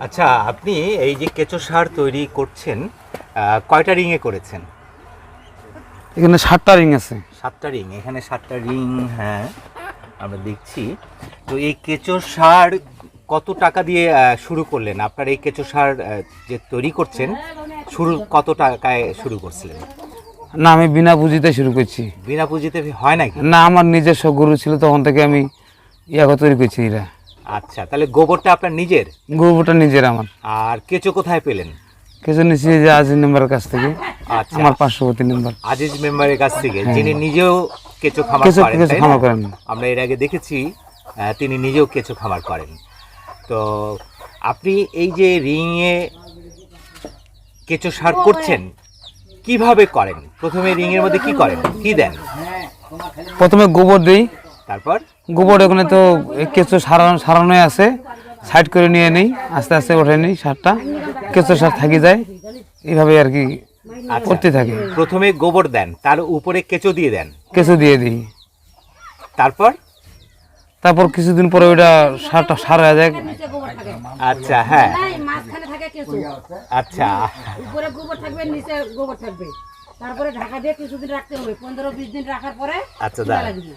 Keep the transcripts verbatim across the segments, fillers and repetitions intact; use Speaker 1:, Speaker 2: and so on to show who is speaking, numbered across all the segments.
Speaker 1: আচ্ছা, আপনি এই যে কেঁচো সার তৈরি করছেন, কয়টা রিংয়ে করেছেন?
Speaker 2: এখানে সাতটা রিং আছে।
Speaker 1: সাতটা রিং, এখানে সাতটা রিং, হ্যাঁ আমরা দেখছি। তো এই কেঁচো সার কত টাকা দিয়ে শুরু করলেন? আপনার এই কেঁচো সার যে তৈরি করছেন, শুরু কত টাকায় শুরু করছিলেন?
Speaker 2: না, আমি বিনা পুঁজিতে শুরু করছি।
Speaker 1: বিনা পুঁজিতে হয় নাকি?
Speaker 2: না, আমার নিজস্ব গরু ছিল, তখন থেকে আমি ইয়াকে তৈরি করছি এরা।
Speaker 1: আচ্ছা, তাহলে গোবরটা আপনার নিজের?
Speaker 2: গোবরটা নিজের আমার।
Speaker 1: আর কেঁচো কোথায় পেলেন?
Speaker 2: কেঁচো নিচ্ছি যে আজিজ মেম্বারের কাছ থেকে।
Speaker 1: আচ্ছা,
Speaker 2: আমার পার্শ্ববর্তী মেম্বার
Speaker 1: আজিজ মেম্বারের কাছ থেকে,
Speaker 2: হ্যাঁ।
Speaker 1: যিনি নিজেও কেঁচো খামার
Speaker 2: কেঁচো
Speaker 1: করেন,
Speaker 2: কেঁচো
Speaker 1: তাই না?
Speaker 2: খামার করেন।
Speaker 1: আমরা এর আগে দেখেছি আহ, তিনি নিজেও কেঁচো খামার করেন। তো আপনি এই যে রিংয়ে কেঁচো সার করছেন, কিভাবে করেন? প্রথমে রিংয়ের মধ্যে কি করেন, কি দেন?
Speaker 2: প্রথমে গোবর দিই,
Speaker 1: তারপর
Speaker 2: গোবর ওখানে তো কেঁচো সারানো সারানোই আছে, সাইড করে নিয়ে নিই, আস্তে আস্তে উঠে নিই সারটা, কেঁচো সার থাকি যায়, এইভাবে আর কি
Speaker 1: আচ্ছা,
Speaker 2: করতে থাকি।
Speaker 1: প্রথমে গোবর দেন, তার উপরে কেঁচো দিয়ে দেন,
Speaker 2: কেঁচো দিয়ে দিই,
Speaker 1: তারপর
Speaker 2: তারপর কিছুদিন পরে ওইটা সারটা সার হয়ে যায়।
Speaker 1: আচ্ছা, হ্যাঁ,
Speaker 3: মাঝখানে থাকে কেঁচো,
Speaker 1: আচ্ছা,
Speaker 3: উপরে গোবর থাকবে, নিচে গোবর থাকবে, তারপরে ঢাকা দিয়ে কিছুদিন রাখতে হবে, পনেরো বিশ দিন রাখার পরে
Speaker 1: আচ্ছা,
Speaker 3: তুলা
Speaker 1: দাঁড়ান।
Speaker 3: লাগবে।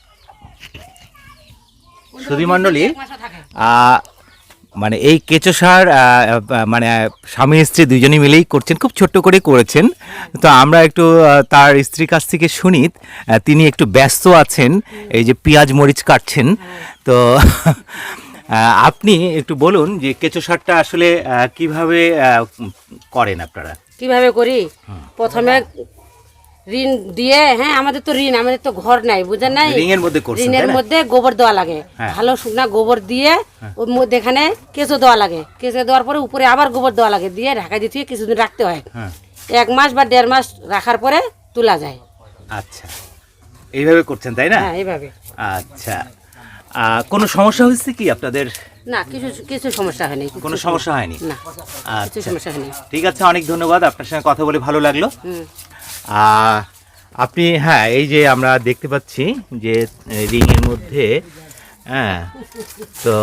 Speaker 1: সুধী মণ্ডলী,
Speaker 3: এক মাসও থাকে।
Speaker 1: আহ, মানে এই কেঁচো সার আহ, আহ, মানে স্বামী স্ত্রী দুজনেই মিলেই করছেন, খুব ছোট্ট করে করেছেন। তো আমরা একটু আহ, তার স্ত্রীর কাছ থেকে শুনি। আহ, তিনি একটু ব্যস্ত আছেন, এই যে পেঁয়াজ মরিচ কাটছেন। তো আহ, আপনি একটু বলুন যে কেঁচো সারটা আসলে আহ, কিভাবে আহ, করেন আপনারা?
Speaker 3: কিভাবে করি? প্রথমে ঋণ দিয়ে, হ্যাঁ আমাদের তো ঋণ, আমাদের তো ঘর নাই, বুঝেন নাই?
Speaker 1: রিংয়ের মধ্যে করছেন,
Speaker 3: ঋণের
Speaker 1: তাই না?
Speaker 3: মধ্যে গোবর দেওয়া লাগে,
Speaker 1: হ্যাঁ।
Speaker 3: ভালো শুকনা গোবর দিয়ে ওর মধ্যে এখানে কেঁচো দেওয়া লাগে, কেঁচো দেওয়ার পরে উপরে আবার গোবর দেওয়া লাগে, দিয়ে ঢাকা দিতে কিছুদিন রাখতে হয়।
Speaker 1: হ্যাঁ,
Speaker 3: এক মাস বা দেড় মাস রাখার পরে তোলা যায়।
Speaker 1: আচ্ছা, এইভাবে করছেন, তাই না?
Speaker 3: হ্যাঁ, এইভাবে।
Speaker 1: আচ্ছা, আহ, কোনো সমস্যা হয়েছে কি আপনাদের?
Speaker 3: না, কিছু কিছু সমস্যা হয়নি। কিছু-
Speaker 1: কোনো সমস্যা হয়নি?
Speaker 3: না, কিছু
Speaker 1: আচ্ছা,
Speaker 3: সমস্যা হয়নি।
Speaker 1: ঠিক আছে, অনেক ধন্যবাদ, আপনার সঙ্গে কথা বলে ভালো লাগলো।
Speaker 3: হুম।
Speaker 1: আহ, আপনি, হ্যাঁ, এই যে আমরা দেখতে পাচ্ছি যে রিংয়ের মধ্যে, হ্যাঁ, তো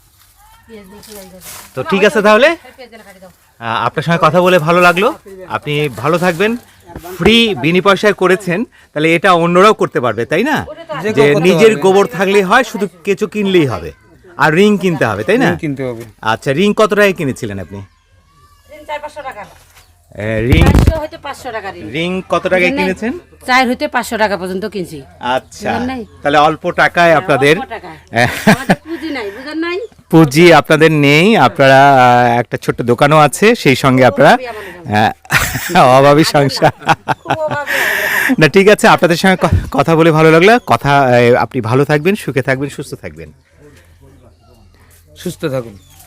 Speaker 1: তো ঠিক আছে, তাহলে আহ, আপনার সঙ্গে কথা বলে ভালো লাগলো। আপনি ভালো থাকবেন। ফ্রি বিনি পয়সায় করেছেন, তাহলে এটা অন্যরাও করতে পারবে, তাই না? যে নিজের গোবর থাকলেই হয়, শুধু কেঁচো কিনলেই হবে, আর রিং কিনতে হবে, তাই না?
Speaker 2: কিনতে হবে।
Speaker 1: আচ্ছা, রিং কত টাকায় কিনেছিলেন আপনি?
Speaker 3: ঋণ চার পাঁচশো টাকা,
Speaker 1: আহ, রিং
Speaker 3: চারশো হইতে পাঁচশো টাকা ঋণ।
Speaker 1: রিং কত টাকায় কিনেছেন?
Speaker 3: চার হইতে পাঁচশো টাকা পর্যন্ত কিনছি।
Speaker 1: আচ্ছা,
Speaker 3: বুঝলেন নাই?
Speaker 1: তাহলে অল্প টাকায় আপনাদের
Speaker 3: অল্প টাকায়।
Speaker 1: আহ,
Speaker 3: আমাদের পুঁজি নাই, বুঝেন নাই?
Speaker 1: পুঁজি আপনাদের নেই, আপনারা আহ, একটা ছোট্ট দোকানও আছে, সেই সঙ্গে আপনারা আহ, অভাবী সংসার।
Speaker 3: খুব অভাবী আমাদের।
Speaker 1: না, ঠিক আছে, আপনাদের সঙ্গে ক- কথা বলে ভালো লাগলো। কথা আহ, আপনি ভালো থাকবেন, সুখে থাকবেন, সুস্থ থাকবেন।
Speaker 2: সুস্থ থাকুন।